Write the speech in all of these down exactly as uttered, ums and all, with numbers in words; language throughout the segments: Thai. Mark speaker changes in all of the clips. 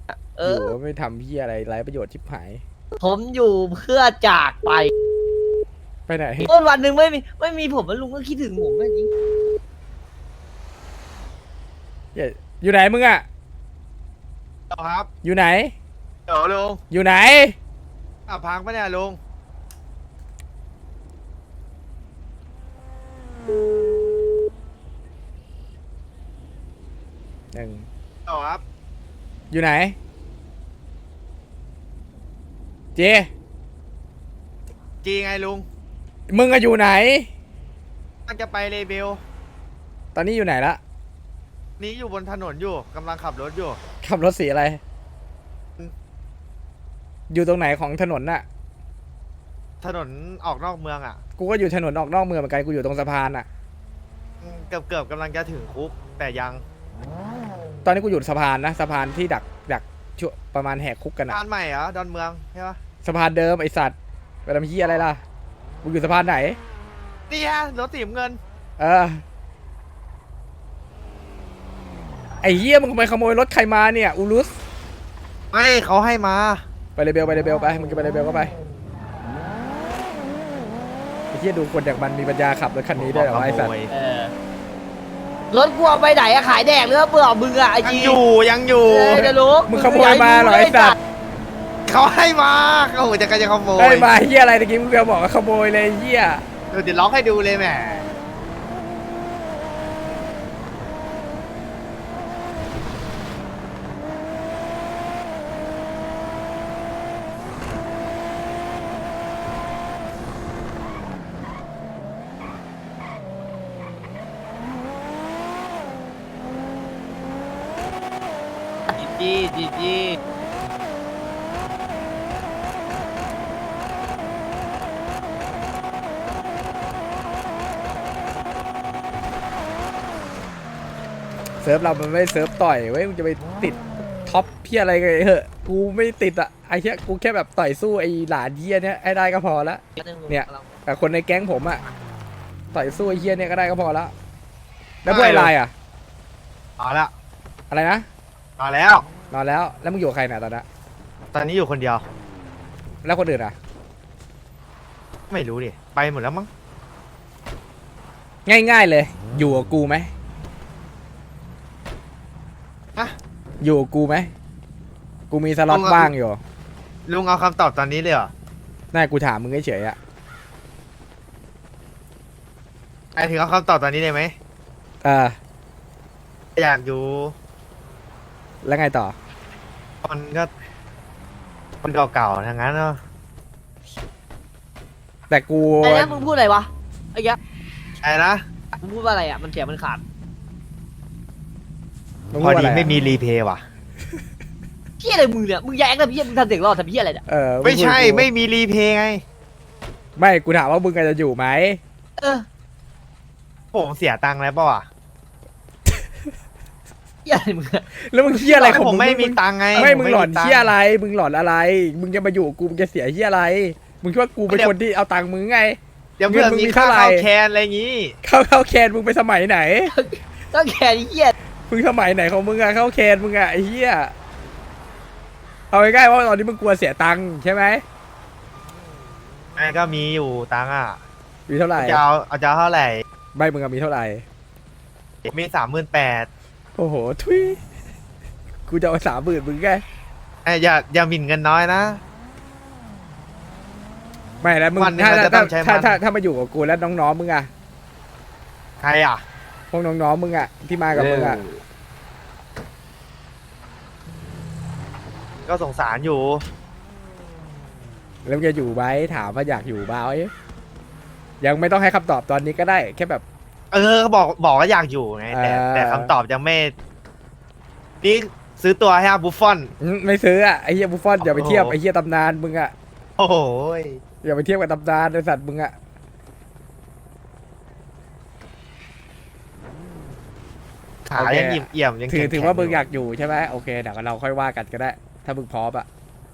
Speaker 1: เอ
Speaker 2: อยู่
Speaker 1: อ
Speaker 2: ก็ไม่ทำพี่อะไรไร้ประโยชน์ชิบหาย
Speaker 1: ผมอยู่เพื่อจากไป
Speaker 2: ไปไหน
Speaker 1: ต้นวันหนึ่งไม่มีไม่มีผมแล้วลุงก็คิดถึงผมนะจริง
Speaker 2: อย่าอยู่ไหนมึงอะ
Speaker 3: เดี๋ยวครับ
Speaker 2: อยู่ไหน
Speaker 3: เดี๋ยวลุง
Speaker 2: อยู่ไหน
Speaker 3: อ่ะพังปะเนี่ยลุง
Speaker 2: หนึ่ง
Speaker 3: เดี๋ยวครับ
Speaker 2: อยู่ไหนเจ
Speaker 3: จีไงลุง
Speaker 2: มึงอะอยู่ไหน
Speaker 3: กำลังจะไปเลเบล
Speaker 2: ตอนนี้อยู่ไหนละ
Speaker 3: นี้อยู่บนถนนอยู่กำลังขับรถอยู่
Speaker 2: ขับรถสีอะไร อยู่ตรงไหนของถนนน่ะ
Speaker 3: ถนนออกนอกเมืองอ่ะ
Speaker 2: กูก็อยู่ถนนออกนอกเมืองเหมือนกันกูอยู่ตรงสะพานน่ะ
Speaker 3: อืมเกือบเกือบกำลังจะถึงคุกแต่ยัง
Speaker 2: ตอนนี้กูอยู่สะพานนะสะพานที่ดักดักช่วประมาณแหกคุกกันอะ
Speaker 3: สะพานใหม่เหรอดอนเมืองใช่ปะ
Speaker 2: สะพานเดิมไอสัตว์ไปทำเหี้ยอะไรล่ะมึงอยู่สะพานไหน
Speaker 3: นี่ฮะรถสีน้ำเงิน
Speaker 2: เออไอ้เหี้ยมึงไปขโมยรถใครมาเนี่ยอูรุส
Speaker 3: ไม่เขาให้มา
Speaker 2: ไปเลยเบลไปเลยเบลไปมึงจะไปเลยเบลก็ไปไอ้เหี้ยดูคนอย่างมันมีปัญญาขับรถคันนี้ได้เหรอวะไอ้สัตว์
Speaker 1: เออรถกูเอาไปไหนอะขายแดกหรือว่าเปล่ามึงอะไอ
Speaker 3: ยัง
Speaker 1: จี
Speaker 3: อยู่ยังอยู่
Speaker 1: เออจะรู้
Speaker 2: มึงขโมยมาเหรอไอ้สัตว์
Speaker 3: เขาให้มาเขาหัวจะกันจะขโม
Speaker 2: ไอ้
Speaker 3: ย
Speaker 2: มาเหี้ยอะไรตะกี้มึงเบลบอกว่าขโมยเลยไอ้เหี้ย
Speaker 3: เดี๋ยวเดี๋ยวล็อกให้ดูเลยแหม
Speaker 1: จีจีจี
Speaker 2: เซิร์ฟเรามันไม่เซิร์ฟต่อยเว้ยมึงจะไปติดท็อปพี่อะไรกันเหอะกูไม่ติดอะไอ้เหี้ยกูแค่แบบต่อยสู้ไอ้หลานเหี้ยเนี้ยให้ได้ก็พอละ เนี่ย แต่คนในแก๊งผมอะต่อยสู้ไอ้เหี้ยเนี่ยก็ได้ก็พอละแล้วพวกไอ้ลายอะ
Speaker 3: เอาละ
Speaker 2: อะไรนะ
Speaker 3: มาแล้ว
Speaker 2: นอนแล้วแล้วมึงอยู่กับใครเนี่ยตอนนั้น
Speaker 3: ตอนนี้อยู่คนเดียว
Speaker 2: แล้วคนอื่นอะ
Speaker 3: ไม่รู้ดิไปหมดแล้วมั้ง
Speaker 2: ง่ายๆเลย อยู่กับกูไหม
Speaker 3: อะ
Speaker 2: อยู่กับกูไหมกูมีสล็อตว่างอยู่
Speaker 3: ลุงเอาคำตอบตอนนี้เลยเหรอ
Speaker 2: น่ากูถามมึงเฉยๆอะ
Speaker 3: ไอถึงเอาคำตอบตอนนี้เลยไหม
Speaker 2: เออ
Speaker 3: อยากอยู่
Speaker 2: แล้วไงต่อ
Speaker 3: มันก็คนเก่าๆทั้งนั้นเนาะ
Speaker 2: แต่กู
Speaker 1: ไอ้เนี่ยมึงพูดอะไรวะไอ้แก
Speaker 3: ไอ้นะ
Speaker 1: มึงพูดว่าอะไรอะมันเสียงมันขาด
Speaker 2: มึง
Speaker 3: พ
Speaker 2: พู
Speaker 3: อ
Speaker 2: ดว่า
Speaker 3: ดี
Speaker 2: อะไร
Speaker 3: ไม่
Speaker 2: อะ
Speaker 3: มีรีเพย์ว่ะ
Speaker 1: พี่อะไรมึงเนี่ยมึงแย้งนะพี่มึงทำเสียงรอดทำพี่อะไรเนี่ย
Speaker 2: เออง
Speaker 3: ไม่ใช่
Speaker 2: พูดกับกู
Speaker 3: ไม่มีรีเพย์ไง
Speaker 2: ไม่กูถามว่ามึงจะอยู่ไหม
Speaker 1: เออ
Speaker 3: ผมเสียตังค์แล้วเปล่าอ่ะ
Speaker 1: พี่อะไรมึงอะ
Speaker 2: แล้วมึงเฮี้ยอะไรของ
Speaker 3: ผม
Speaker 2: มึง
Speaker 3: ไม่มี
Speaker 2: ง
Speaker 3: ตังค์ไง
Speaker 2: ไม่
Speaker 3: ผ
Speaker 2: มึงหลอน
Speaker 3: ตัค์
Speaker 2: เฮี้ยอะไร มึงหลอนอะไร มึงจะมาอยู่กับกูมึงจะเสียเฮี้ยอะไร มึงคิดว่ากูเป็นคนที่เอาตังค์มึงไง
Speaker 3: เดี๋ยวเพื่อน
Speaker 2: เงินมึง
Speaker 3: มี
Speaker 2: มี
Speaker 3: ค่า
Speaker 2: เท่าไหร่
Speaker 3: ข้าวแคนอะไรอย่างงี้
Speaker 2: เข้าเข้าแคนมึงไปสมัยไหน
Speaker 1: ก็แค่นี้เหี้ย
Speaker 2: มึงสมัยไหนของมึงอะเข้าแคนมึงอะไอ้เหี้ย เอาง่ายๆว่าตอนนี้มึงกลัวเสียตังค์ใช่ไหม
Speaker 3: ไอ้ก็มีอยู่ตังค์อ่ะ
Speaker 2: มีเท่าไหร่
Speaker 3: จะเอาเอาจะเอาเท่าไหร่
Speaker 2: ใบมึงอะมีเท่าไหร่
Speaker 3: มีสามหมื่นแปด
Speaker 2: โอ้โห ทุย กูจะเอาสามหมื่นมึงไง
Speaker 3: อย่าอย่าหมิ่นเงินน้อยนะ
Speaker 2: ไม่แล้วมึง
Speaker 3: วันหนึ่ง
Speaker 2: ถ้า
Speaker 3: เราจะต้
Speaker 2: ถ้า
Speaker 3: องใช้
Speaker 2: ถ้า
Speaker 3: มัน
Speaker 2: ถ้าถ้ามาอยู่กับกูแล้วน้องๆมึงอะ
Speaker 3: ใครอ่ะ
Speaker 2: พวกน้องๆมึงอะที่มากับมึงอะ
Speaker 3: ก็สงสารอยู่
Speaker 2: แล้วมึงจะอยู่ไหมถามว่าอยากอยู่เปล่ายังไม่ต้องให้คำตอบตอนนี้ก็ได้ แค่แบบ
Speaker 3: เออบอกบอกว่าอยากอยู่ไงแต่
Speaker 2: เออ
Speaker 3: แต่คำตอบยังไม่นี่ซื้อตัวให้อาบุฟฟอน
Speaker 2: อืมไม่ซื้ออะไอ้เหี้ยบุฟฟอนอย่าไปเทียบ
Speaker 3: โอ้โห
Speaker 2: ไอ้เหี้ยตำนานมึงอะ
Speaker 3: โอ้โหย
Speaker 2: อย่าไปเทียบกับตำนานไอ้สัตว์มึงอะ
Speaker 3: ขายังหยิบเอี่ยมยัง
Speaker 2: ถือ
Speaker 3: แข็งๆ
Speaker 2: ถือว่ามึงอยากอยู่ใช่ไหมโอเคเดี๋ยวเราค่อยว่ากันก็ได้ ถ้ามึงพร้อมอะ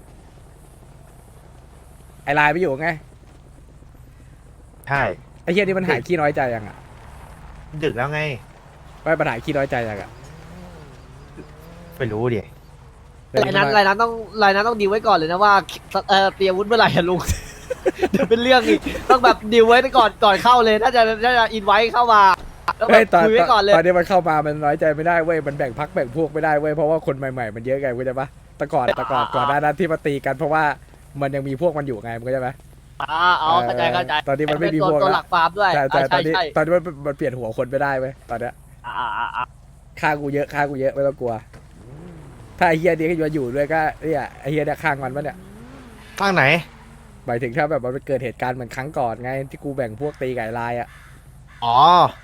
Speaker 2: ไอ้ลายไปอยู่ไง
Speaker 3: ใช่
Speaker 2: ไอ้เหี้ยนี่มันหายขี้น้อยใจยังอะ
Speaker 3: ดึกแล้วไง
Speaker 2: ไม่ปัญหาขี้น้อยใจยังอะ
Speaker 3: ไม่รู้ดิ
Speaker 1: รายนั้นรายนั้นต้องรายนั้นต้องดีลไว้ก่อนเลยนะว่าเออเตรียมอาวุธเมื่อไหร่อะลุง เดี๋ยวเป็นเรื่องอีกต้องแบบดีลไว้ก่อนก่อนเข้าเลยถ้าจะถ้าจะอินไว้เข้ามาแล้วแบ
Speaker 2: เฮ้ย
Speaker 1: บ
Speaker 2: ตอน
Speaker 1: คุยไว้ก่อนเลย
Speaker 2: ตอนนี้มันเข้ามามันน้อยใจไม่ได้เว้ยมันแบ่งพักแบ่งพวกไม่ได้เว้ยเพราะว่าคนใหม่ๆมันเยอะไงเข้าใจปะแต่ก่อนแต่ก่อนก่อนหน้านั้นที่มาตีกันเพราะว่ามันยังมีพวกมันอยู่ไงมึงเข้าใจไหม
Speaker 1: อ่าอ๋อเข้าใจเข้าใจ
Speaker 2: ตอนนี้มันไม่มี
Speaker 1: ตัว
Speaker 2: พวก
Speaker 1: ตัว
Speaker 2: แล้ว
Speaker 1: หลักฟาร์มด้วย
Speaker 2: ใช่ใช่ต
Speaker 1: อ่า
Speaker 2: อนนี้
Speaker 1: ใช่
Speaker 2: ตอนนี้มันมันเปลี่ยนหัวคนไม่ได้เว้ยตอนเนี้ย
Speaker 1: อ่าอ่าอ่า
Speaker 2: ฆ่ากูเยอะฆ่ากูเยอะไม่ต้องกลัว ถ้าไอ้เฮียนี้ก็อยู่อยู่ด้วยก็เนี่ยไอ้เฮียเนี่ยข้างมันปะเนี่ย
Speaker 3: ข้างไหน
Speaker 2: หมายถึงถ้าแบบมันเกิดเหตุการณ์เหมือนครั้งก่อนไงที่กูแบ่งพวกตีไก่ลายอ่ะ
Speaker 3: อ๋อ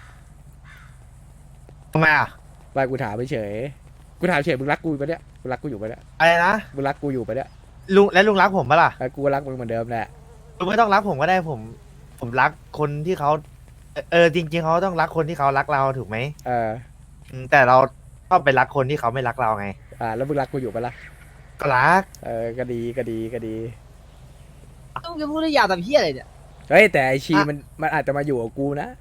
Speaker 3: ทำไมอ่ะ
Speaker 2: ไปกูถามไปเฉยกูถามเฉยมึงรักกูปะเนี่ยมึงรักกูอยู่ปะเนี่ย
Speaker 3: อะไรนะ
Speaker 2: มึงรักกูอยู่ปะเนี่ย
Speaker 3: ลุงและลุงรักผมปะล่ะ
Speaker 2: แล้วกูก็รักมึงเหมือนเดิมแหละ
Speaker 3: ลุงไม่ต้องรักผมก็ได้ผม ผมรักคนที่เขาเออจริงๆเขาต้องรักคนที่เขารักเราถูกไหม
Speaker 2: เออ
Speaker 3: อืมแต่เราชอบไปรักคนที่เขาไม่รักเราไง
Speaker 2: อ่าแล้วมึงรักกูอยู่ปะล่ะ
Speaker 3: ก็รัก
Speaker 2: เออก็ดีก็ดีก็ดี
Speaker 1: ต้องจะพูดได้ยาวแต่พี่อะไรเนี่ย
Speaker 2: เฮ้ยแต่ไอชี
Speaker 1: อ่ะ
Speaker 2: มันมันอาจจะมาอยู่กับกูนะ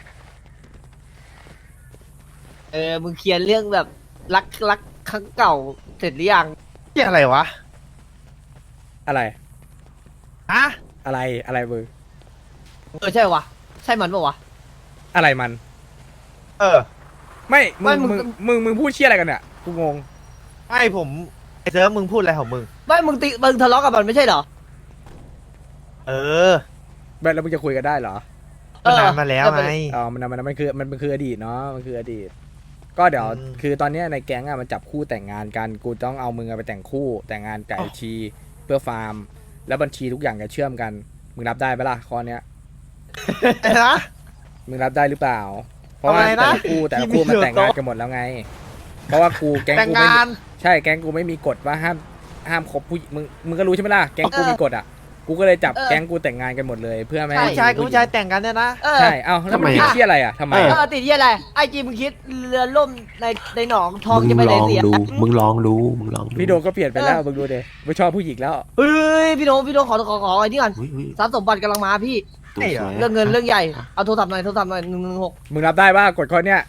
Speaker 1: เออมึงเคลียร์เรื่องแบบรักรักครั้งเก่าเสร็จหรือยัง
Speaker 3: ที่อะไรวะ
Speaker 2: อะไร
Speaker 3: ฮะ
Speaker 2: อะไรอะไรมึง
Speaker 1: เออใช่วะใช่มันปะวะ
Speaker 2: อะไรมัน
Speaker 3: เออ
Speaker 2: ไม่มึ
Speaker 1: ไม่
Speaker 2: ง
Speaker 1: มึง
Speaker 2: มึงมึงมึงพูดเชี่ยอะไรกันเนี่ยกูงง
Speaker 3: ไม่ผมไอเซิร์ฟมึงพูดอะไรของมึง
Speaker 1: ไม่มึงติมึงทะเลาะกับมันไม่ใช่เหรอ
Speaker 3: เออ
Speaker 2: แบบแล้วมึงจะคุยกันได้เหรอ
Speaker 3: มันนานมาแล้วไง
Speaker 2: อ๋อ มันมันมันคือมันมันคืออดีตเนาะ มันคืออดีต ก็เดี๋ยว
Speaker 3: อืม
Speaker 2: คือตอนเนี้ยในแก๊งอะมันจับคู่แต่งงานกัน กูต้องเอามึงอะไปแต่งคู่ แต่งงานไก่ชีเพื่อฟาร์ม แล้วบัญชีทุกอย่างจะเชื่อมกัน มึงรับได้ไหมล่ะข้อเนี้ย
Speaker 3: อะไรนะ
Speaker 2: มึงรับได้หรือเปล่า เพราะว่า
Speaker 3: ทำไม
Speaker 2: แต่
Speaker 3: นะ
Speaker 2: ละคู่แต่ละคู่มันแต่งงานกันหมดแล้วไง เพราะว่ากูแก๊ง
Speaker 3: แต่ง
Speaker 2: กูไม่
Speaker 3: งาน
Speaker 2: ใช่แก๊งกูไม่มีกฎว่าห้ามห้ามคบผู้มึงมึงก็รู้ใช่ไหมล่ะ แก๊งกูมีกฎอะกูก็เลยจับแก๊งกูแต่งงานกันหมดเลย เพื่อไม่ให้
Speaker 3: ผู้ชายกับผู้ชายแต่งกันเนี่ยนะ
Speaker 1: เออ
Speaker 2: ใช่ เอ้าแล้วมัน
Speaker 4: ทำไม
Speaker 2: ผิด
Speaker 4: อะ
Speaker 2: ที่อะไรอะทำไม
Speaker 1: เอ
Speaker 2: อะ
Speaker 1: อติดที่อะไรไอจีมึงคิดเรือล่มในในหนองทอง
Speaker 4: มึง
Speaker 1: จะไป
Speaker 4: ล
Speaker 1: ไหน
Speaker 4: อง
Speaker 1: เสีย
Speaker 4: ดู มึงลองดู มึงลองดู
Speaker 2: พี่โดก็เปลี่ยนไปแล้วมึงดูดิไม่ชอบผู้หญิงแล้ว
Speaker 1: เฮ้ยพี่โดพี่โดขอขอขอไอ้นี่ก่อน
Speaker 4: เฮ้ยเฮ้ย
Speaker 1: ทรัพย์สมบัติกำลังมาพี่
Speaker 4: ตัวสวย
Speaker 1: เรื่องเงินเรื่องใหญ่เอาโทรศัพท์หน่อยโทรศัพท์หน่อยหนึ่งหนึ่งหก
Speaker 2: มึงรับได้ป่ะกดข้อเนี้ย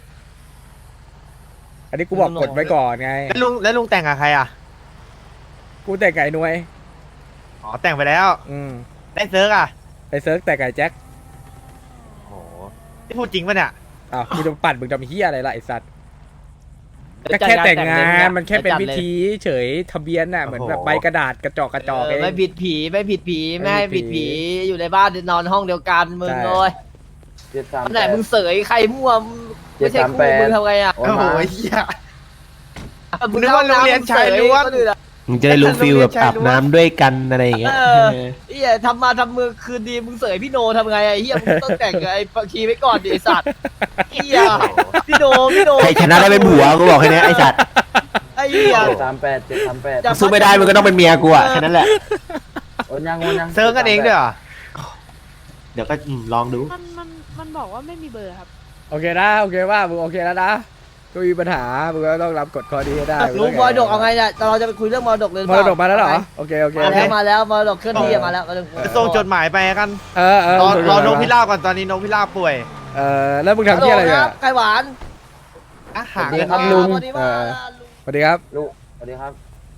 Speaker 2: อันนี้กูบอกกดไว้ก่อนไง
Speaker 3: แล้วลุงแล้วลุงแต่งกับใครอ่ะ
Speaker 2: กูแต่ไก่หน่วย
Speaker 3: อ๋อแต่งไปแล้ว
Speaker 2: อืม
Speaker 3: ได้เซิร์กอ่ะ
Speaker 2: ไอเซิร์ฟแต่ไก่แจ็ค
Speaker 3: โอ้โหนี่พูดจริงปะเนี่ย
Speaker 2: อ้าวกูจะปั่นมึงทำเฮียอะไรล่ะไอสัตว์ก็แค่แต่งงานมันแค่เป็นพิธีเฉยทะเบียนน่ะเหมือนแบบใบกระดาษกระจอกกระจอกเอง
Speaker 1: ไม่ผิดผีไม่ผิดผี
Speaker 2: ไม่
Speaker 1: ไม่ให้
Speaker 2: ผิ
Speaker 1: ผิ
Speaker 2: ด
Speaker 1: ด
Speaker 2: ผี
Speaker 1: ผีอยู่ในบ้านนอนห้องเดียวกันมึง
Speaker 2: ใช่
Speaker 1: เลย
Speaker 5: เจ็ดสาม
Speaker 1: อันไหนมึงเสยใครมั่วไม่ใช่คู่
Speaker 5: เจ็ดสามแปด
Speaker 1: มึงทำไงอ่ะ
Speaker 5: โอ้
Speaker 3: โอ้โห
Speaker 5: มา
Speaker 3: เหี้ย
Speaker 1: มึง
Speaker 3: นึกว่าโรงเรียนชายล้วน
Speaker 1: มึงเสยคนอื่นอะ
Speaker 4: มึงจะได้รู้ฟิลแบบอาบน้ำด้วยกันอะไรอย่างเงี้ย
Speaker 1: เออ เฮียทำมาทำมือคืนดีมึงเสยพี่โนทำไงไอ้เฮียมึงต้องแต่งกับไอ้ปักชีไว้ก่อนดิไอ้สัตว์เฮียพี่โนพี่โน
Speaker 4: ใครชนะได้เป็นผัวกูบอกแค่นี้ไอ้สัตว์
Speaker 1: ไอ้เฮีย
Speaker 5: เจ็ดสามแปดเจ็ดสามแปด
Speaker 1: จะ
Speaker 4: สู้ไม่ได้มึงก็ต้องเป็นเมียกูอะแค่นั้นแหละ
Speaker 5: โอนยังโอนยัง
Speaker 3: เซิร์กกันเองด้วยเหรอ
Speaker 4: เดี๋ยวก็อืมลองดู
Speaker 6: มันมันมันบอกว่าไม่มีเบอร์ครับ
Speaker 2: โอเคนะโอเคว่ามึงโอเคแล้วนะก็มีปัญหามึงก็ต้องรับกฎข้อนี้ให้ได้
Speaker 1: ลุงมรดกเอาไงเนี่ยเราจะไปคุยเรื่องมรดกเลยหรือ
Speaker 2: ม
Speaker 1: เป
Speaker 2: ร
Speaker 1: ล่า
Speaker 2: ดกมาแล้วเหรอโอเคโอเค
Speaker 1: มา
Speaker 2: โอเค
Speaker 1: แล้วมาแล้วมรดกเคลื่อนที่มาแล้วมาแล้ว
Speaker 3: จะส่งจดหมายไปกัน
Speaker 2: เออเออ
Speaker 3: รอรอ
Speaker 2: ส่
Speaker 3: น
Speaker 2: ง
Speaker 3: กพิราบก่อนตอนนี้นกพิราบป่วย
Speaker 2: เออแล้วมึงทำที่อะไร
Speaker 1: ฮัลโหล
Speaker 2: เนี่ย
Speaker 1: คบไข่หวาน
Speaker 3: อาหาร
Speaker 5: สวัสดีครับลุง
Speaker 1: สวัสดีว่า
Speaker 2: สวัสดีครับ
Speaker 5: ลุงสวัสดีครับ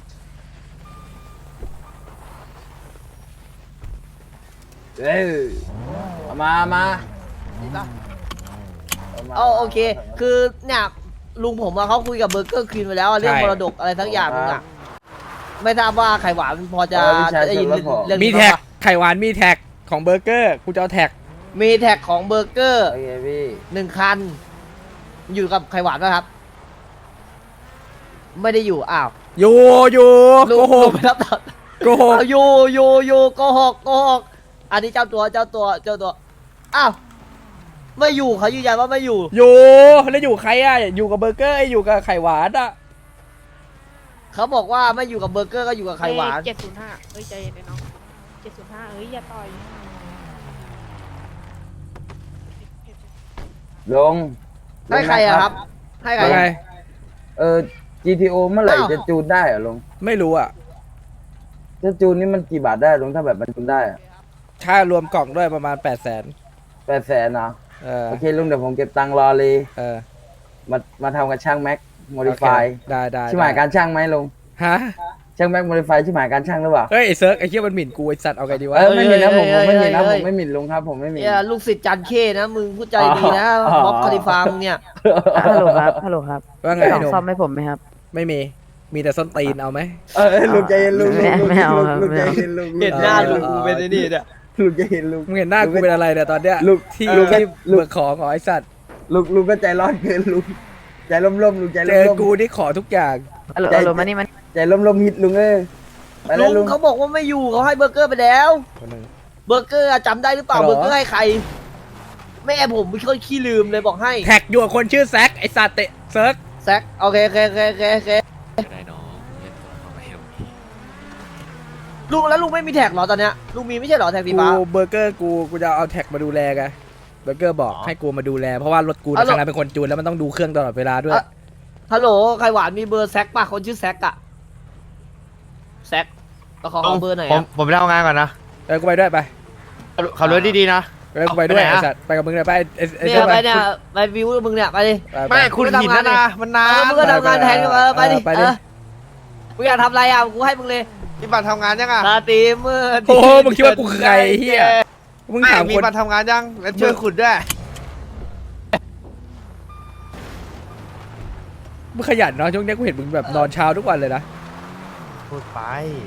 Speaker 5: เอ้ยเอามามาามา
Speaker 1: เอาโอเค คือเนี่ยลุงผมอะเขาคุยกับเบอร์เกอร์ควีนไปแล้วอะเรื่อง
Speaker 2: ใช่
Speaker 1: มรดกอะไรทั้งอย่างนึงอะไม่ทราบว่าไข่หวานพอจะ
Speaker 5: เออวิชา
Speaker 1: ได้ยิน
Speaker 5: ชนแล้วพอ
Speaker 1: เรื่อง
Speaker 2: มี
Speaker 1: นี้
Speaker 2: แท็ก
Speaker 1: บ้างปะ
Speaker 2: ไข่หวานมีแท็กของเบอร์เกอร์กูจะเอาแท็ก
Speaker 1: มีแท็กของเบอร์เกอร์
Speaker 5: โอเคพี่
Speaker 1: หนึ่งคัน อยู่กับไข่หวานนะครับ ไม่ได้อยู่อ้าว
Speaker 2: อยู่อยู่
Speaker 1: ลุง
Speaker 2: โกห
Speaker 1: ลุ
Speaker 2: ก
Speaker 1: งไปรับต่อ
Speaker 2: โกหก
Speaker 1: เอาอยู่อยู่อยู่โกหกโกหกอันนี้เจ้าตัวเจ้าตัวเจ้าตัวอ้าวไม่อยู่เขายืนยันว่าไม่อยู่
Speaker 2: อยู่แล้วอยู่ใครอ่ะอยู่กับเบอร์เกอร์ไอ้อยู่กับไข่หวานอ่ะ
Speaker 1: เขาบอกว่าไม่อยู่กับเบอร์เกอร์ก็อยู่กับไข่หวาน
Speaker 6: เจ็ดศูนย์ห้าเฮ้ยใจเย็นเลยน้องเจ็ดศูนย์ห้าเอ้ยอย่าต่อย
Speaker 5: ลง
Speaker 1: ให้ใครอะครับ ให้ใคร
Speaker 2: ว่าไง
Speaker 5: เออ จี ที โอ เมื่อไหร่
Speaker 1: อ้าว
Speaker 5: จะจูนได้เหรอลง
Speaker 2: ไม่รู้อ่ะ
Speaker 5: จะจูนนี่มันกี่บาทได้ลงถ้าแบบมันจูนได้อะ
Speaker 2: ค่ารวมกล่องด้วยประมาณแปดแสน
Speaker 5: แปดแสนเนาะ
Speaker 2: เออ
Speaker 5: โอเคลุงเดี๋ยวผมเก็บตังค์รอเลย
Speaker 2: เออ
Speaker 5: มามาทำกับช่างแม็กโมดิฟาย
Speaker 2: ได้ได้
Speaker 5: ใช่ไหม
Speaker 2: ได้
Speaker 5: การช่างไหมลง
Speaker 2: ฮะ
Speaker 5: ช่างแม็กโมดิฟายที่หมายการช่างหรือเปล่า
Speaker 2: เฮ้ยไอ้เซิร์กไอ้เหี้ยมันหมิ่นกูไอ้สัตว์เอาไงดีวะ
Speaker 5: เออไม่หมิ่นนะผมผมไม่หมิ่นนะ
Speaker 1: เฮ้
Speaker 5: ผ
Speaker 1: ย
Speaker 5: มไม่หมิ่นลุงครับผมไม่หมิ่น
Speaker 1: เนี่ยลูกศิษย์จันเข้นะมึงพูดใจดีนะ
Speaker 5: อ๋อ
Speaker 1: ม็อบคาริฟามึงเนี่ย
Speaker 7: ฮัลโหลครับ ฮัลโหลครับ
Speaker 2: ว่าไง
Speaker 7: กล่อง
Speaker 2: หนุ่ม
Speaker 7: ซ่อมให้ผมไหมครับ
Speaker 2: ไม่มีมีแต่ส้นตีนเอาไหม
Speaker 5: เออเออลุงใจเย็นลุงลุง
Speaker 7: ไม่
Speaker 5: ลุง
Speaker 7: ไม่เอาครับ
Speaker 5: ลุง
Speaker 7: ไม่
Speaker 5: ใจ
Speaker 7: เอา
Speaker 5: เย็นลุง
Speaker 1: เห็นหน้าลุงกูเป็นไอ้นี่เนี่ย
Speaker 5: ลุงใจเย็นลุง
Speaker 2: มึงเห็นหน้ากูเป็นอะไรเนี่ยตอนเนี้ย
Speaker 5: ลูก
Speaker 2: ที่
Speaker 5: ลูก
Speaker 2: ที่
Speaker 5: ลูก
Speaker 2: เบิกของของไอ้สัตว์
Speaker 5: ลุงลุงก็ใจร้อนเกินลุงใจร่มๆลุงใจ
Speaker 2: เจ
Speaker 5: ร่
Speaker 2: อ
Speaker 5: ม
Speaker 2: กูนี่ขอทุกอย่าง
Speaker 7: ฮัลโหลฮัลโหลมานี่มัน
Speaker 5: ๆใจร่มๆฮิตลุงเอ้ยไปแล้ว
Speaker 1: ลุ
Speaker 5: ลุ
Speaker 1: ง
Speaker 5: ง
Speaker 1: เขาบอกว่าไม่อยู่เขาให้เบอร์เกอร์ไปแล้ว
Speaker 2: คนหนึ่ง
Speaker 1: เบอร์เกอร์อะจำได้หรือเปล่า
Speaker 2: ฮัลโหล
Speaker 1: เบอร์เกอร์ให้ใครแม่ผมไม่ค่อยขี้ลืมเลยบอกให้
Speaker 2: แท็กอยู่กับคนชื่อแซกไอ้สัตว์เตะเซิร์ก
Speaker 1: แซกโอเคโอเคโอเคโอเคโอเคลุงแล้วลุงไม่มีแท็กเหรอตอนเนี้ยลุงมีไม่ใช่เหรอแท็กสี
Speaker 2: กู
Speaker 1: ฟ้า
Speaker 2: เบอร์เกอร์กูกูจะเอาแท็กมาดูแลไงเบอร์เกอร์บอกให้กูมาดูแลเพราะว่ารถกู
Speaker 1: ฮัลโหล
Speaker 2: ในขณะเป็นคนจูนแล้วมันต้องดูเครื่องตลอดเวลาด้วย
Speaker 1: อ่ะ ฮัลโหลใครหวานมีเบอร์แซกป่ะคนชื่อแซกอะแซกก็ขอขอเบอร์หน่อย
Speaker 3: ผม
Speaker 1: อะ
Speaker 3: ผมไปทำงานก่อนนะ
Speaker 2: เออกูไปด้วยไป
Speaker 3: ขับรถดีๆนะ
Speaker 2: เออกูไปด้วย
Speaker 3: เอาไปไหน
Speaker 2: ไอ้
Speaker 3: อะ
Speaker 2: สัตว์ไปกับมึงเลยไปไอ้ไอ้
Speaker 1: เนี่ย
Speaker 2: ไอ้
Speaker 1: ไป
Speaker 2: ไป
Speaker 1: เนี่ยไปวิวมึงเนี่ยไปดิ
Speaker 2: ไป
Speaker 3: ไม่คุณหินนะนะมันนา
Speaker 1: เออน มึงก็ทำงานแทนกันมาไปดิ
Speaker 2: ไป
Speaker 1: เอ
Speaker 2: ดิ
Speaker 1: อมึงอยากทำอะไรอ่ะกูให้มึงเลย
Speaker 3: มีบัตรทำงานยังอ่ะ
Speaker 1: สตรีมเมอร์
Speaker 2: โอ้โหมึงคิดว่ากูคือใครไอ้เฮียมึง
Speaker 3: ไม่
Speaker 2: ถาม
Speaker 3: มี
Speaker 2: คน
Speaker 3: บัตรทำงานยังแล้วช่วยขุดด้วย
Speaker 2: มึงขยันเนาะช่วงเนี้ยกูเห็นมึงแบบนอนเช้าทุกวันเลยนะ
Speaker 3: พูดไป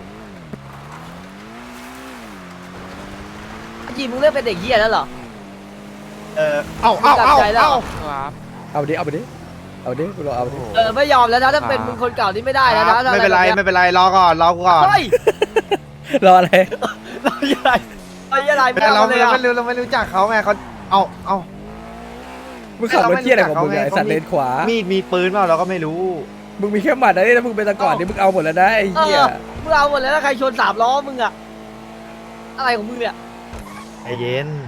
Speaker 1: จีมึงเริ่มเป็นเด็กเหี้ยแล้วเหรอ
Speaker 3: เออเอาเอาเอา
Speaker 1: จับใจแล้ว
Speaker 3: เอา
Speaker 2: เอาดิเอาไปดิเอาดิกูรอเอาดิ
Speaker 1: เออไม่ยอมแล้วนะถ้าเป็นมึงคนเก่านี่ไม่ได้แล้วนะถ้า
Speaker 3: ไม่เป็นไร
Speaker 1: อะ
Speaker 3: ไม่เป็นไรรอก่อนรอก่อน
Speaker 1: เฮ้ย
Speaker 2: รออะไร
Speaker 1: เราอะไรเราอะไรไม่
Speaker 3: แต่เรา
Speaker 1: เอาเล
Speaker 3: ไม่
Speaker 1: ยอ่ะ
Speaker 3: ไม่รู้เราไม่รู้จักเขาไงเขาเอาเอา
Speaker 2: มึงขับรถเที่ยอะไรของมึงไง
Speaker 3: เขาไม่
Speaker 2: ไอ้สัตว์เลนขวา
Speaker 3: มีดมีปืนเปล่าเราก็ไม่รู้
Speaker 2: มึงมีแค่หมัดนะนี่ถ้ามึงเป็นตะก่อนนี่มึงเอาหมดแล้วนะไอ้
Speaker 1: เอ
Speaker 2: เหี้ย
Speaker 1: อมึงเอาหมดแล้วถ้าใครชนสามล้อมึงอะอะไรของมึงเนี่ย
Speaker 3: ใจเย็น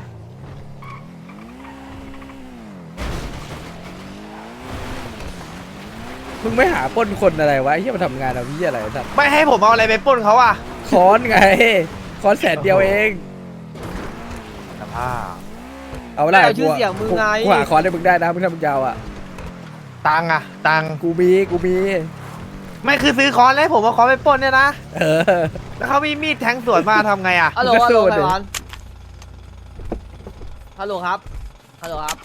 Speaker 2: มึงไม่หาปล้นคนอะไรวะไอ้เหี้ยมาทำงานเอาเหี้ยอะไรไอ้สัตว์
Speaker 3: ไม่ให้ผมเอาอะไรไปปล้นเขาอ่ะ
Speaker 2: ค้อนไงค้อนแสนเดียวเอง
Speaker 3: สภาพ
Speaker 2: เอาได้
Speaker 1: เอาชื่อเสียงมึงไง
Speaker 2: กูหาค้อนให้มึงได้นะมึงทำมึงยาวอ่ะ
Speaker 3: ตังค์อะตังค์
Speaker 2: กูมีกูมี
Speaker 3: ไม่คือซื้อค้อนแล้วให้ผมเอาค้อนไปปล้นเนี่ยนะ
Speaker 2: เออ
Speaker 3: แล้วเขามีมีดแทงสวนมาทำไงอ่ะ
Speaker 1: ฮัลโหล
Speaker 2: มึงก็
Speaker 1: ฮัล
Speaker 2: สู้
Speaker 1: โหล
Speaker 2: ดิ
Speaker 1: ไขหวานฮัลโหลครับฮัลโหลครับ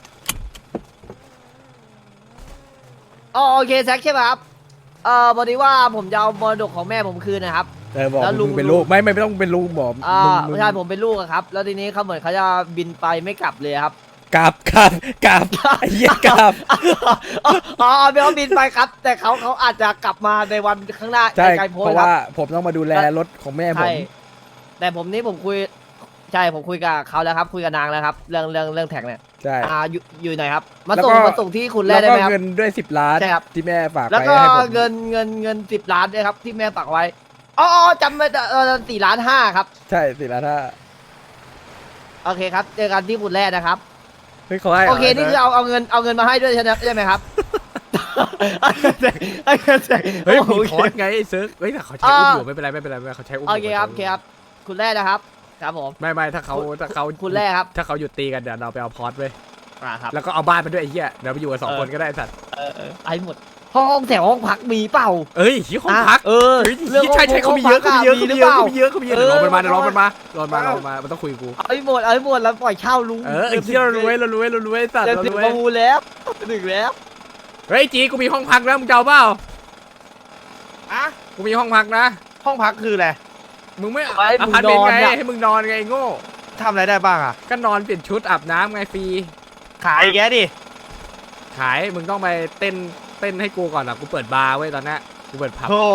Speaker 1: อ๋อโอเคแซคใช่ไหมครับเอ่อพอดีว่าผมจะเอามรดกของแม่ผมคืนนะครับ
Speaker 2: เออบอก
Speaker 1: แล้วลุ
Speaker 2: มึ
Speaker 1: ง
Speaker 2: งเป็นลูกไม่ไม่ไม่ต้องเป็นลูกบอก
Speaker 1: อ่า
Speaker 2: มึง
Speaker 1: ไม่ใช่ผมเป็นลูกอะครับ แล้วทีนี้เขาเหมือนเขาจะบินไปไม่กลับเลยครับ
Speaker 2: กลับกลับกลับไอ้เหี้ยกลับ
Speaker 1: อ๋อไม่เขาบินไปครับ แต่เขาเขาอาจจะกลับมาในวันข้างหน้า
Speaker 2: ใช่
Speaker 1: ไกลๆโพ้
Speaker 2: เพ
Speaker 1: น
Speaker 2: ราะ
Speaker 1: ครั
Speaker 2: ว่า
Speaker 1: บ
Speaker 2: ผมต้องมาดูแลรถของแม่ผ
Speaker 1: ใช่
Speaker 2: ม
Speaker 1: แต่ผมนี่ผมคุยใช่ผมคุยกับเขาแล้วครับ คุยกับนางแล้วครับ เรื่องเรื่องเรื่องแท็กเนี่ย
Speaker 2: ใช่
Speaker 1: อ่าอยู่อยู่ไหนครับ มา
Speaker 2: แล้ว
Speaker 1: ส่ง
Speaker 2: ก็
Speaker 1: มาส่งที่คุณแร
Speaker 2: แล้
Speaker 1: ก
Speaker 2: ว
Speaker 1: ได้
Speaker 2: ก็
Speaker 1: ไหมครับ
Speaker 2: เงินด้วยสิบล้าน
Speaker 1: ใช่ครับ
Speaker 2: ที่แม่ฝาก
Speaker 1: แล้ว
Speaker 2: ไป
Speaker 1: ก็
Speaker 2: ให้ผม
Speaker 1: เงินเงินเงินสิบล้านด้วยครับ ที่แม่ฝากไว้อ๋ออ๋อจำไม่ได้เออสี่ล้านห้าครับ
Speaker 2: ใช่สิล้านถ้า
Speaker 1: โอเคครับเจอกันที่คุณแรกนะครับ
Speaker 2: เฮ้ยเขาให้หร
Speaker 1: โอเคนี่คือเอาเอาเงินเอาเงินมาให้ด้วยใช่ไหมใช่ไหมครับเอาเงินแจกเอาเงินแจก
Speaker 2: เฮ้ย
Speaker 1: โอ
Speaker 2: มี
Speaker 1: เค
Speaker 2: คอร์สไงไอ้เซิร์ฟเฮ้ยแต่เขาใช้อุ้มอยู่ไม่เป็นไรไม่เป็นไรไม่เป็นไรเขาใช้อุ้ม
Speaker 1: โอ
Speaker 2: อยู่
Speaker 1: เคครับโอเคครับคุณแรกนะครับ ครับผม
Speaker 2: ไม่ไม่ถ้าเขาถ้าเขา
Speaker 1: คุณแรกครับ
Speaker 2: ถ้าเขาหยุดตีกันเดี๋ยวเราไปเอาพอร์ตไป
Speaker 1: อ่าครับ
Speaker 2: แล้วก็เอาบ้านไปด้วยไอ้เหี้ยเดี๋ยวไปอยู่กันสอง
Speaker 1: เออ
Speaker 2: คนก็ได้ไอ้สัตว์
Speaker 1: เออเออไอ้หมดห้องแถวห้องพักมีเปล่า
Speaker 2: เอ้ยที่ห้องพัก
Speaker 1: เออ
Speaker 2: เฮ้ย
Speaker 1: เรื่อง
Speaker 2: ใช่ใช่เขามีเยอะเขามีเยอะ
Speaker 1: มี
Speaker 2: เขา
Speaker 1: ห
Speaker 2: มี
Speaker 1: รือ
Speaker 2: เยอะ
Speaker 1: เปล่า
Speaker 2: เขามีเยอะเขามีเยอะเดี๋ยวรอมันมา
Speaker 1: เออ
Speaker 2: เดี๋ยวรอมันมารอมันมา
Speaker 1: เออ
Speaker 2: รอมันมามันต้องคุยกับกู
Speaker 1: เอาไอ้หมดเอาไอ้หมดแล้วปล่อยเช่าลุง
Speaker 2: เออไอ้เหี้ยเรารวยเรารวยเรารวยไอ้สัตว์
Speaker 1: จะ
Speaker 2: เรา
Speaker 1: ถึง
Speaker 2: รว
Speaker 1: ป
Speaker 2: ย
Speaker 1: ระมูลแล้วถึงแล้ว
Speaker 2: เฮ้ยจีกูมีห้องพักแล้วมึงจะเอาเปล่า
Speaker 3: อะ
Speaker 2: กูมีห้องพักนะ
Speaker 3: ห้องพักคืออะไร
Speaker 2: มึงไม่
Speaker 1: ไว้
Speaker 2: อ
Speaker 1: มึง
Speaker 2: พาร์ต
Speaker 1: น
Speaker 2: เมน
Speaker 1: อ
Speaker 2: ต์
Speaker 1: น
Speaker 2: ไง
Speaker 1: อะ
Speaker 2: ให้มึงนอนไงไอ้โง่
Speaker 3: ทำอะไรได้บ้างอ่ะ
Speaker 2: ก็นอนเปลี่ยนชุดอาบน้ำไงฟรี
Speaker 3: ขายแกดิ
Speaker 2: ขายมึงต้องไปเต้นเต้นให้กูก่อนอ่ะกูเปิดบาร์ไว้ตอนนี้กูเปิดผับ
Speaker 3: โธ่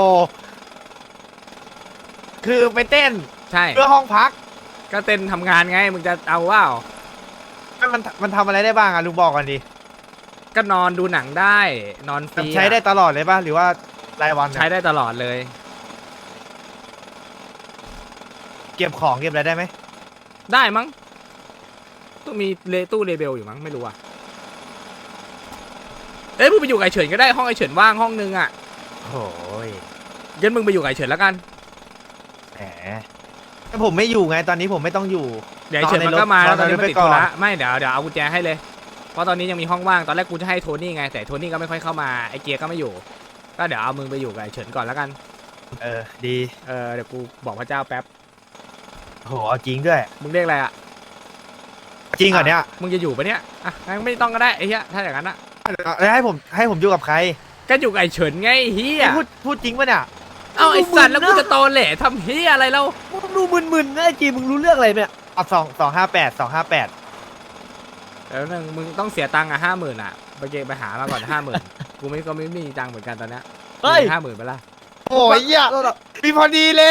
Speaker 3: คือไปเต้น
Speaker 2: ใช่
Speaker 3: เพื่อห้องพัก
Speaker 2: ก็เต้นทำงานไงมึงจะเอาว่า
Speaker 3: มันมันทำอะไรได้บ้างอ่ะลุงบอกกันดิ
Speaker 2: ก็นอนดูหนังได้นอนฟรี
Speaker 3: ใช้ได้ตลอดเลยป่ะหรือว่ารายวันอะ
Speaker 2: ใช้ได้ตลอดเลย
Speaker 3: เก็บของเก็บอะไรได้ไหม
Speaker 2: ได้มั้งต้องมีเลตู้เลเบลอยู่มั้งไม่รู้อ่ะเอ้ยมึงไปอยู่กับไอเฉินก็ได้ห้องไอเฉินว่างห้องนึงอ่ะ
Speaker 3: โอ้ย
Speaker 2: งั้นมึงไปอยู่กับไอเฉินแล้วกัน
Speaker 3: แหมแต่ผมไม่อยู่ไงตอนนี้ผมไม่ต้องอยู่
Speaker 2: เดี๋ยวไอเฉินมันก็มา
Speaker 3: ต
Speaker 2: แล้
Speaker 3: อ
Speaker 2: วน ตอน
Speaker 3: ในรถ
Speaker 2: นี้มันติด
Speaker 3: ตอนในรถไปก่
Speaker 2: ธุ
Speaker 3: อน
Speaker 2: ระไม่เดี๋ยวเดี๋ยวเอากุญแจให้เลยเพราะตอนนี้ยังมีห้องว่างตอนแรกกูจะให้โทนี่ไงแต่โทนี่ก็ไม่ค่อยเข้ามาไอเกียร์ก็ไม่อยู่ก็เดี๋ยวเอามึงไปอยู่กับไอ้เฉินก่อนแล้วกัน
Speaker 3: เออดี
Speaker 2: เออเดี๋ยวกูบอกพระเจ้าแป๊บ
Speaker 3: โหเอาจริงด้วย
Speaker 2: มึงเรียกอะไรอ่ะ
Speaker 3: จริงเหรอเนี่ย
Speaker 2: มึงจะอยู่ปะเนี่ยอ่ะงั้นไม่ต้องก็ได้ไอ้เหี้ยถ้าอย่างนั้นอ่ะ
Speaker 3: แล้วให้ผมให้ผมอยู่กับใคร
Speaker 2: ก็อยู่กับไอ้เฉินไงเฮีย
Speaker 3: พูดพูดจริงปะเนี่ย
Speaker 2: เอ้าไอ้สัตว์แล้วกูจะโตแหล่ทำเฮียอะไรเรา
Speaker 1: มึงดูมึนๆนะไอ้จีมึงรู้เรื่องอะไรเนี่ย
Speaker 3: เอาสองสองห้าแปดสองห้าแปด
Speaker 2: เดี๋ยวนึงมึงต้องเสียตังค์อ่ะห้าหมื่นอ่ะไปเกไปหามาก่อนห้าหมื่นกูไม่ก็ไม่มีตังค์เหมือนกันตอนเนี้ย
Speaker 1: เฮ้ย
Speaker 2: ห้าหมื่นไปละ
Speaker 3: โอ้ยเหี้ยมีพอดีเลย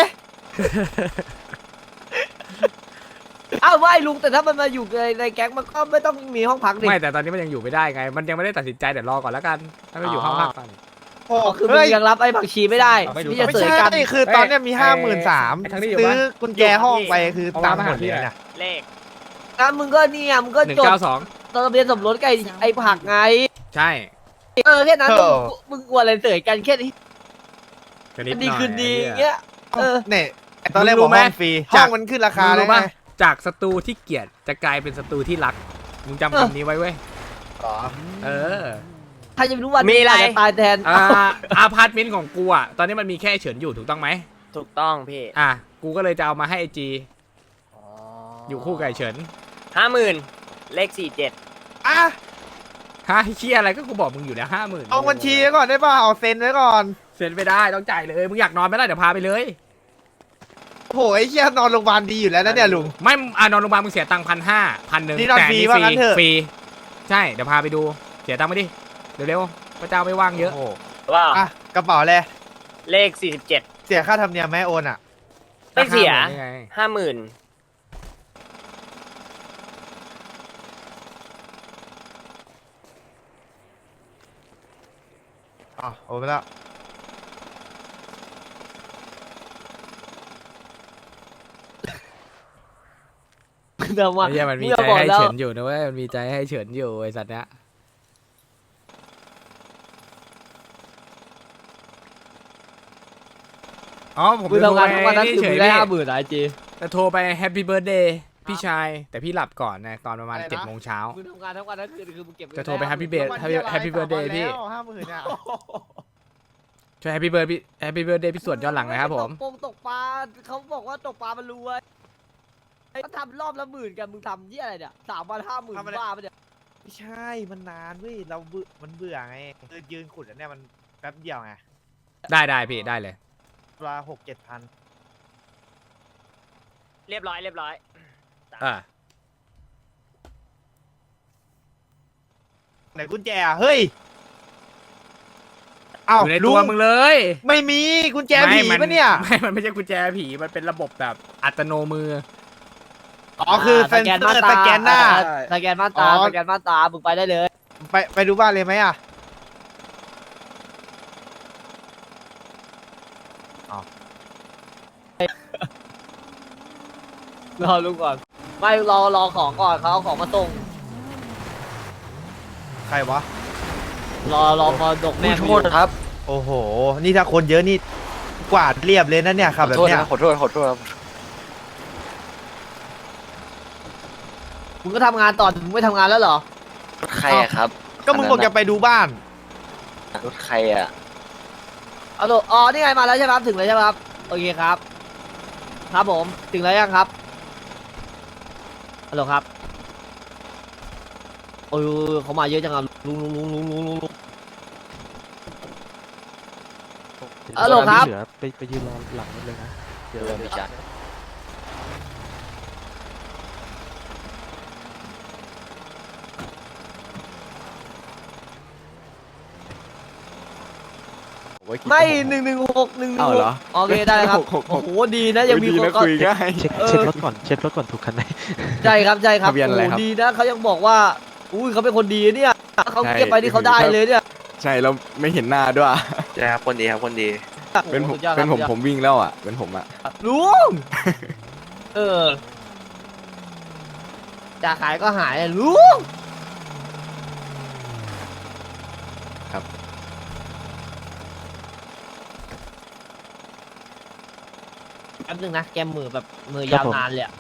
Speaker 1: อ้าวไม่ลุงแต่ถ้ามันมาอยู่ในในแก๊งมันก็ไม่ต้องมีห้องพักดิ
Speaker 2: ไม่แต่ตอนนี้มันยังอยู่ไม่ได้ไง มันยังไม่ได้ตัดสินใจเดี๋ยวรอก่อนแล้วกันถ้าไม่อยู่ห้องพักก่อน
Speaker 3: โอ้
Speaker 1: อ๋อคือมึ
Speaker 3: เฮ้
Speaker 1: ง
Speaker 3: ย
Speaker 1: ยังรับไอ้ผักชีไม่ได้
Speaker 2: ไม่รู้
Speaker 1: ที่จะ
Speaker 3: ไม่
Speaker 1: เสย
Speaker 3: ใช่
Speaker 1: กัน
Speaker 3: คือตอนเนี้ยมี
Speaker 2: เอ้ย
Speaker 3: ห้าหมื่นสาม
Speaker 2: ไอ้ทั้งนี้อยู่
Speaker 3: ซื้
Speaker 2: ปะ
Speaker 3: อกุญแจห้องไปคือ
Speaker 2: เอา
Speaker 3: ตั
Speaker 2: มาง
Speaker 3: ค์หมด
Speaker 2: มาหาพี่
Speaker 3: เลย
Speaker 2: อะ
Speaker 3: เนี่ย
Speaker 6: เลข
Speaker 1: งั้นมึงก็เนี่ยมึงก็
Speaker 2: หนึ่ง
Speaker 1: จด
Speaker 2: เก้าสอง
Speaker 1: ตอนทะเบียนสมรสกับไอ้ไอ้ผักไง
Speaker 2: ใช่
Speaker 1: เออแค่นั้นมึงมึงกลัวอะไรเสยกันแค่นี้
Speaker 2: ก็นิดห
Speaker 1: ดี
Speaker 2: น่อย
Speaker 1: คืนดี
Speaker 2: ไอ้
Speaker 1: อย่าง
Speaker 2: เหี้ย
Speaker 1: เงี้ยเออ
Speaker 3: เนี่ยไอ้ตอนแรก
Speaker 2: มึงรู้
Speaker 3: บอก
Speaker 2: ไหม
Speaker 3: ห้องฟรี
Speaker 2: จา
Speaker 3: ห้อก งมันขึ้นราคา
Speaker 2: มึง
Speaker 3: แล้
Speaker 2: รู้
Speaker 3: วไง
Speaker 2: ปะจากศัตรูที่เกลียดจะกลายเป็นศัตรูที่รัก มึงจำคำนี้ไว้เว้ย
Speaker 3: อ๋อ
Speaker 2: เออ
Speaker 1: ใครจะไปรู้วัน
Speaker 6: มีอะไร
Speaker 1: าจจตายแทน
Speaker 2: อ่าอาพาร์ตเมนต์ของกูอ่ะ ตอนนี้มันมีแค่เฉินอยู่ถูกต้องไหม
Speaker 6: ถูกต้องพี่
Speaker 2: อ่ะ กูก็เลยจะเอามาให้ไอจี อยู่คู่กับไอ้เฉิน
Speaker 6: ห้าหมื่นเลขสี่เจ็ด
Speaker 3: อ่ะ
Speaker 2: ฮะเชี่ยอะไรก็กูบอกมึงอยู่แล้วห้าหมื่น
Speaker 3: เอาบัญชีไว้ก่อนได้ป่ะเอาเซ็นไว้ก่อน
Speaker 2: เซ็นไม่ได้ต้องจ่ายเลย มึงอยากนอนไหมล่ะเดี๋ยวพาไปเลย
Speaker 3: โหไอ้เหี้ยนอนโรงพยาบาลดีอยู่แล้วนะเนี่ยลุง
Speaker 2: ไม่อ่ะนอนโรงพยาบาลมึงเสียตังค์พันห้าพันหนึ่ง
Speaker 3: นี่นอนฟรีว่างั้นเถอะ
Speaker 2: ฟรี ใช่ เดี๋ยวพาไปดู เสียตังค์ไปดิ เร็วๆพระเจ้าไม่ว่างเยอะ
Speaker 3: โอ้โห
Speaker 6: ว้าว
Speaker 3: อ่ะกระเป๋าเลย
Speaker 6: เลขสี่สิบเจ็ด
Speaker 3: เสียค่าธรรมเนียมไหมโอนอ่ะ
Speaker 6: ไม่เสีย
Speaker 2: ห้าหมื่นนี่ไง
Speaker 6: ห้าหมื่น
Speaker 3: อ๋อโอนไปแล้ว
Speaker 1: แต่ว่า
Speaker 2: ไอ้เหี้ยมันมี
Speaker 1: ง
Speaker 2: ใจ
Speaker 1: จะบอก
Speaker 2: ให้
Speaker 1: แล้ว
Speaker 2: เฉินอยู่นะเว้ย มันมีใจให้เฉินอยู่ไอ้สัตว์เนี้ย อ๋อผม
Speaker 1: มึง
Speaker 2: จะโทร
Speaker 1: ทำงาน
Speaker 2: ไป
Speaker 1: ทุกวันนั้น
Speaker 2: นี่
Speaker 1: คือ
Speaker 2: เฉ
Speaker 1: มึ
Speaker 2: ย
Speaker 1: งได้
Speaker 2: พี่
Speaker 1: ห้าหมื่นไอจี
Speaker 2: จะโทรไปแฮปปี้เบิร์ดเดย์พี่ชาย แต่พี่หลับก่อนนะตอนประมาณ
Speaker 3: อะไรนะ
Speaker 2: เจ็ดโมงเช้า
Speaker 1: มึงทำงานทั้งวันทั้งคืนคือมึงเก็บเงิน
Speaker 2: จะโทรไป
Speaker 1: ด้
Speaker 2: แฮปปี้เบิร์ด แฮปปี้เบิร์ดเดย์พี่
Speaker 3: ห้าหมื่นอ่ะ
Speaker 2: ช่วยแฮปปี้เบิร์ดพี่แฮปปี้เบิร์ดเดย์พี่ส่วนย้อนหลังหนะครับผม
Speaker 1: ตกปงตกปลาเขาบอกว่าตกปลามันรวยเขาทำรอบละหมื่นกันมึงทำยี่อะไรเนี่ยสามวันห้าหมื่นบ้าปะเนี่ย
Speaker 3: ไม่ใช่มันนานเว้ยเราเบื่อมันเบื่อไงคือยืนขุดอันเนี้ยมันแป๊บเดียวไง
Speaker 2: ได้ได้พี่ได้เลย
Speaker 3: เวลาหกเจ็ดพัน
Speaker 6: เรียบร้อยเรียบร้อย
Speaker 2: อ่า
Speaker 3: ไหนกุญแจอ่ะเฮ้ยเอ้า
Speaker 2: อยู่ใน
Speaker 3: ลุ
Speaker 2: ตัว
Speaker 3: ง
Speaker 2: มึงเลย
Speaker 3: ไม่มีกุญแจผี
Speaker 2: ไม่
Speaker 3: ปะเนี่ย
Speaker 2: ไม่ มันไม่ใช่กุญแจผีมันเป็นระบบแบบอัตโนมือ
Speaker 3: อ๋อคือเซนเซอร์สแกนหน้า
Speaker 1: สแกนม่านตา
Speaker 3: อ๋อ
Speaker 1: สแกนม่านตามึงไปได้เลย
Speaker 3: ไปไปดูบ้านเลยไหมอ่ะ
Speaker 1: รอลุงก่อนไม่รอรอของก่อนเขาเอาของมาส่ง
Speaker 3: ใครวะ
Speaker 1: รอรอมาดกแม่
Speaker 5: โทษครับ
Speaker 3: โอ้โห นี่ถ้าคนเยอะนี่กวาดเรียบเลยนะเนี่ยครับแบบ
Speaker 5: โทษ
Speaker 3: เนี้ย
Speaker 5: นะขอโทษขอโทษครับ
Speaker 1: มึงก็ทำงานต่อมึงไม่ทำงานแล้วเหรอ
Speaker 5: รถใครอะครับ
Speaker 3: ก็มึงบอกจะไปดูบ้าน
Speaker 5: รถใครอะ
Speaker 1: เอาตัวอ๋อนี่ไงมาแล้วใช่ไหมครับถึงแล้วใช่ไหมครับโอเคครับ ครับผมถึงแล้วยังครับฮัลโหลครับโอ้ยเขามาเยอะจังอ่ะลุงลุงลุงลุงลุงลุงลุงฮัลโหลครับ
Speaker 5: ไปไปยืนรอหลังรถเลยนะเดี๋ยวเราไปจัด
Speaker 1: ไม่หนึ่งหนึ่งหกหนึ่งหนึ่ง
Speaker 8: เอา
Speaker 1: ห
Speaker 8: เหร
Speaker 1: ก
Speaker 8: อ
Speaker 1: โอเคได้ครับ
Speaker 8: หกหกหก
Speaker 1: โอ้โหดีนะยังมีคนก็
Speaker 8: คุยง่าย
Speaker 5: เช็ค
Speaker 1: เออ
Speaker 5: เช็ครถก่อนเช็ครถก่อนถูกคันไหน
Speaker 1: ใช่ครับใช่ครับ
Speaker 8: ทะเบียนอะไร
Speaker 1: โอ้
Speaker 8: ครับ
Speaker 1: โหดีนะเขายังบอกว่าอุ้ยเขาเป็นคนดีเนี่ยเขา
Speaker 8: ใช่
Speaker 1: เก็บไปที่เขาได้เลยเนี่ย
Speaker 8: ใช่เราไม่เห็นหน้าด้วย
Speaker 5: ใช่ครับคนดีครับคนดี
Speaker 8: เป็นผม
Speaker 1: โอ้โหสุดยอด
Speaker 8: เป็นผม
Speaker 1: ครับ
Speaker 8: ผมวิ่งแล้วอ่ะ เป็นผมอ่ะ
Speaker 1: ลุงเออจะขายก็หายลุง
Speaker 8: ครับ
Speaker 1: แป๊บนึงนะแกมือแบบมือยาว
Speaker 5: ครับผม
Speaker 1: นานเลยอะ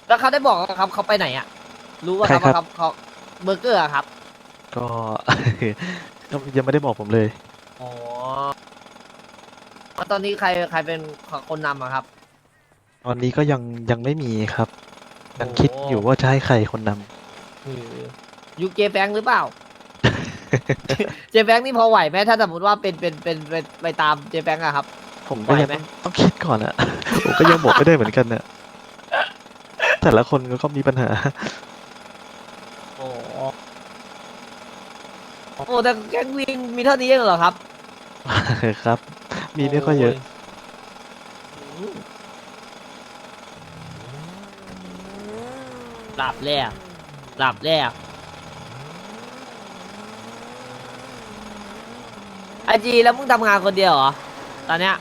Speaker 1: แล้วเขาได้บอกว่าครับเขาไปไหนอ่ะ รู้ว่าครับ
Speaker 9: ใคร
Speaker 1: ว่า
Speaker 9: ค
Speaker 1: ค
Speaker 9: รั
Speaker 1: รับ บเขาเบอร์เกอร์อะครับ
Speaker 9: ก็ ก็ยังไม่ได้บอกผมเลย
Speaker 1: อ๋อแล้วตอนนี้ใครใครเป็นคนนำอะครับ
Speaker 9: ตอนนี้ก็ยังยังไม่มีครับ ยัง
Speaker 1: โอ้
Speaker 9: คิดอยู่ว่าจะให้ใครคนนำ
Speaker 1: ยูเจแฟงหรือเปล่า เจแฟงนี่พอไหวไหมถ้าสมมติว่าเป็นเป็นเป็นเป็นไปตามเจแฟงอะครับ
Speaker 9: ผมก็ยัง
Speaker 1: ไหวไหม
Speaker 9: ต้องต้องคิดก่อนอะ ผมก็ยังบอกไม่ได้เหมือนกันน่ะแต่ละคนก็มีปัญหา
Speaker 1: โอ้โอ้แต่แก๊งวิงมีเท่านี้เองเหรอครับ
Speaker 9: ครับ มีไม่ค่อยเยอะ
Speaker 1: หลับแล้วหลับแล้วไอจีแล้วมึงทำงานคนเดียวเหรอ ตอนเนี้ย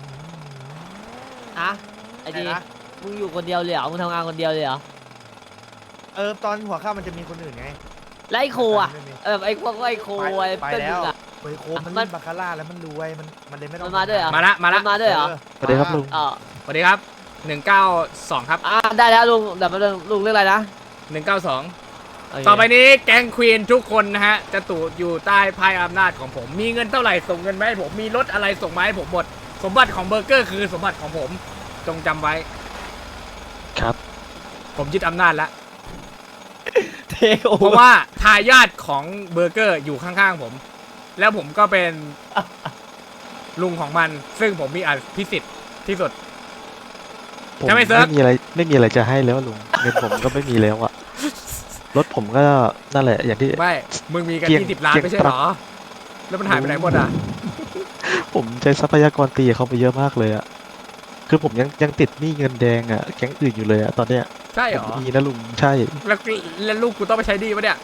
Speaker 1: อะไอจี
Speaker 3: ไหนนะ
Speaker 1: มึงอยู่คนเดียวเลยเหรอ มึงทำงานคนเดียวเลยเหรอ
Speaker 3: เออตอนหัวข้ามมันจะมีคนอื่นไง
Speaker 1: แล้วไอโคอะ
Speaker 3: ไม่มี
Speaker 1: เออไอพวกไอโค
Speaker 3: ไป
Speaker 1: ไอ
Speaker 3: ไป
Speaker 1: เพื่อน
Speaker 3: แล้
Speaker 1: มึ
Speaker 3: ว
Speaker 1: งอะ
Speaker 3: เฮ้ยโคมมัน
Speaker 1: มั
Speaker 3: เล่
Speaker 1: น
Speaker 3: นบาคาร่าแล้วมันรวยมันมันเลยไม่ต้อง
Speaker 1: มันมาด้วยเหรอ
Speaker 3: ทำง
Speaker 10: มาละมาละ
Speaker 1: นมาด้วยเหรอ
Speaker 9: สวัสดีครับลุง
Speaker 1: อ๋อ
Speaker 10: สวัสดีครับหนึ่งเก้าสองครับ
Speaker 1: อ่าได้แล้วลุงเดี๋ยวมาลุงเรื่องอะไรนะ
Speaker 10: หนึ่งเก้าสอง
Speaker 1: โเค
Speaker 10: ต่อไปนี้แก๊งควีนทุกคนนะฮะ จะตูอยู่ใต้ภายอำนาจของผม มีเงินเท่าไหร่ส่งเงินมาให้ผม มีรถอะไรส่งมาให้ผมหมด สมบัติของเบอร์เกอร์คือสมบัติของผม จงจำไว้
Speaker 9: ครับ
Speaker 10: ผมยึดอำนาจแล้ว
Speaker 1: เทคโอ
Speaker 10: เพราะว่าทายาทของเบอร์เกอร์อยู่ข้างๆผม แล้วผมก็เป็นลุงของมัน ซึ่งผมมีอภิสิทธิ์ที่สุด
Speaker 9: ผม
Speaker 10: จะไม่เซิร์ฟ
Speaker 9: ไม่มีอะไรไม่มีอะไรจะให้แล้วลุง เงินผมก็ไม่มีแล้วอะรถผมก็นั่นแหละ อย่างที่
Speaker 10: ไม่ มึงมีกัน
Speaker 9: เกรียง
Speaker 10: ยี่สิบล้าน
Speaker 9: เกรียง
Speaker 10: ไม่ใช่เหรอ แล้วมันหายไปไหนหมดอ่ะ
Speaker 9: ผมใช้ทรัพยากรตีเขาไปเยอะมากเลยอะคือผมยังยังติดหนี้เงินแดงอะแก๊งอื่นอยู่เลยอะตอนเนี้ย
Speaker 10: ใช่เหรอ
Speaker 9: ผมมีนะลุงใช่
Speaker 10: แล้วแล้วลูกกูต้องไปใช้ดีปะเนี่ย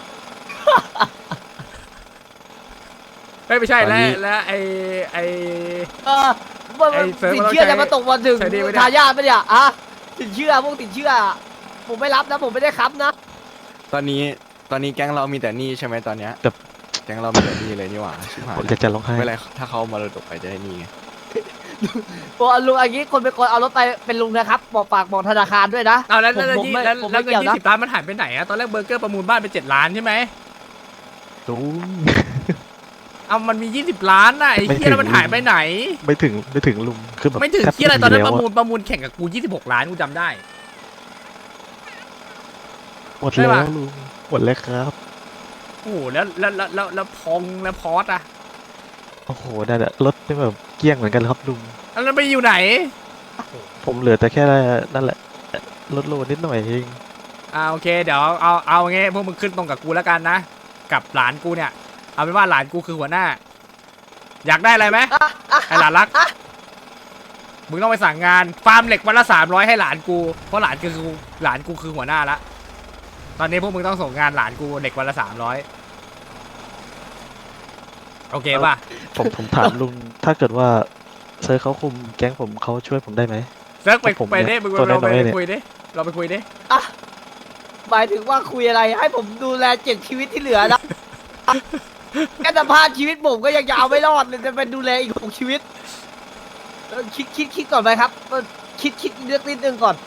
Speaker 10: ไม่ไม่ใช่
Speaker 9: ตอน
Speaker 10: แล้ว
Speaker 9: นี้
Speaker 10: แล้วไอไอ
Speaker 1: เออมัน
Speaker 10: ไอ้เซิร์ฟ
Speaker 1: สินเชื่อ
Speaker 10: เราใช้
Speaker 1: จะมาตกวันถึง
Speaker 10: ใช้ดีไหมเนี่ย
Speaker 1: ทายาทปะเนี่ยอะสินเชื่อพวกสินเชื่อ ผมไม่รับนะผมไม่ได้ค้ำนะ
Speaker 8: ตอนนี้ตอนนี้แก๊งเรามีแต่หนี้ใช่ไหมตอนเนี้ย
Speaker 9: แต่
Speaker 8: แก๊งเรามีแต่หนี้เลยนี่หว่าชิบหาย
Speaker 9: ผมจะจะร้องไห้
Speaker 8: ไม่เป็นไรถ้าเขาเอามาระดกไปจะได้หนี้ไง
Speaker 1: โอ้ลุงอันนี้คนเป็นคนเอารถไปเป็นลุงนะครับ บอกฝากบอกธนาคารด้วยนะ
Speaker 10: เอาแล้ว
Speaker 1: ผม
Speaker 10: แล้ว
Speaker 1: ผม
Speaker 10: ยี่
Speaker 1: ไม่
Speaker 10: แล้ว
Speaker 1: ผม
Speaker 10: แล้ว
Speaker 1: ไม่
Speaker 10: เงิน
Speaker 1: เกี่ยว
Speaker 10: ยี่
Speaker 1: นะ
Speaker 10: สิบล้านมันหายไปไหนอะตอนแรกเบอร์เกอร์ประมูลบ้านไปเจ็ดล้านใช่ไหม
Speaker 9: ลุง
Speaker 10: เอามันมียี่สิบล้านน่ะไอ้
Speaker 9: ไม่
Speaker 10: เหี้ย
Speaker 9: ถึง
Speaker 10: แล้วมันหายไปไหน
Speaker 9: ไม่ถึงไม่ถึงลุงคือแบบ
Speaker 10: ไม่ถึง
Speaker 9: แทบ
Speaker 10: เหี้ยอะไรตอนนั้น
Speaker 9: แล้
Speaker 10: ป
Speaker 9: ว
Speaker 10: ระ
Speaker 9: อะ
Speaker 10: มูลประมูลแข่งกับกูยี่สิบหกล้านกูจำได้
Speaker 9: หมด
Speaker 10: ใช่
Speaker 9: แล้
Speaker 10: ปะ
Speaker 9: วลุงหมดแล้วครับ
Speaker 10: โอ้โหแล้วแล้วแล้วแล้วแล้วพองแล้วพอสอะ
Speaker 9: โอ้โหนั่นแหละรถนี่แบบเกลี้ยงเหมือนกันครับลุง
Speaker 10: แล้วไปอยู่ไหน
Speaker 9: ผมเหลือแต่แค่นั่นแหละลดโลนิดหน่อยเอง
Speaker 10: อ่าโอเคเดี๋ยวเอาเอาเอางี้พวกมึงขึ้นตรงกับกูแล้วกันนะ กับหลานกูเนี่ย เอาเป็นว่าหลานกูคือหัวหน้า อยากได้อะไรไหมไอหลานรัก มึงต้องไปสั่งงานฟาร์มเหล็กวันละสามร้อยให้หลานกูเพราะหลานคือหลานกูคือหัวหน้าละตอนนี้พวกมึงต้องส่งงานหลานกูเหล็กวันละสามร้อยโอเคป่ะ
Speaker 9: ผมผมถามลุงถ้าเกิดว่าเซอร์เขาคุมแก๊งผมเขาช่วยผมได้ไหม
Speaker 10: เซิร์ฟไป
Speaker 9: ผม
Speaker 10: ไป
Speaker 9: เนี่
Speaker 10: ดิ
Speaker 9: ย
Speaker 10: มึง
Speaker 9: ตัว
Speaker 10: เราไป
Speaker 9: น้อยๆเนี่ย
Speaker 10: คุยดิเราไปคุยดิ
Speaker 1: อ่ะหมายถึงว่าคุยอะไรให้ผมดูแลเจ็ดชีวิตที่เหลือนะ แค่สภาพชีวิตผมก็ยังจะเอาไม่รอดเลยจะเป็นดูแลอีกหกชีวิตเออคิดคิดคิดก่อนไหมครับเออคิดคิดเลือกนิดนึงก่อน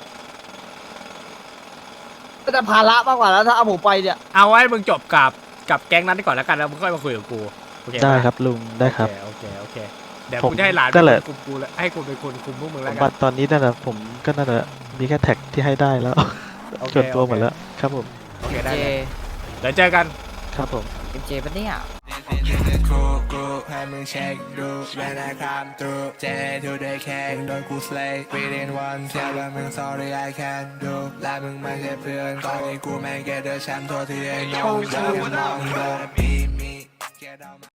Speaker 1: ก็จะภาระมากกว่าแล้วถ้าเอาผมไปเนี่ย
Speaker 10: เอาไว้มึงจบกับกับแก๊งนั้นก่อนแล้วกันแล้วมึงค่อยมาคุยกับกูโอเคปะ
Speaker 9: ได้ครับลุงได้ครับ
Speaker 10: โอเคโอเคโอเคเดี๋ยว
Speaker 9: ผม
Speaker 10: กูจะให้หลาน
Speaker 9: นั่นแหละ
Speaker 10: คุมกูแล้วให้กูเป็นคนคุมพวกมึง
Speaker 9: ส
Speaker 10: แล้ว
Speaker 9: ม
Speaker 10: กั
Speaker 9: บั
Speaker 10: น
Speaker 9: ติตอนนี้นั่นแหละผมก็นั่นแหละมีแค่แท็กที่ให้ได้แล้ว
Speaker 10: โอเค
Speaker 9: ส่วนตัว
Speaker 10: โอเค
Speaker 9: หมดแล้วครับผม
Speaker 10: โอเคได้เลยเดี๋ยวเจอกัน
Speaker 9: ครับผม
Speaker 1: เจปะเนี่ย
Speaker 11: กูกูให้มึงเช็คดูเวลาคำตูเจทูได้แค่โดนกูสเลย์ within one เชื่อว่ามึง sorry I can do และมึงไม่ใช่เพื่อนตอนนี้กูแม่งแกเดอร์แชมป์โทษที่ไอ้น้องอย่ามึงมองโดนมีมีแกเดา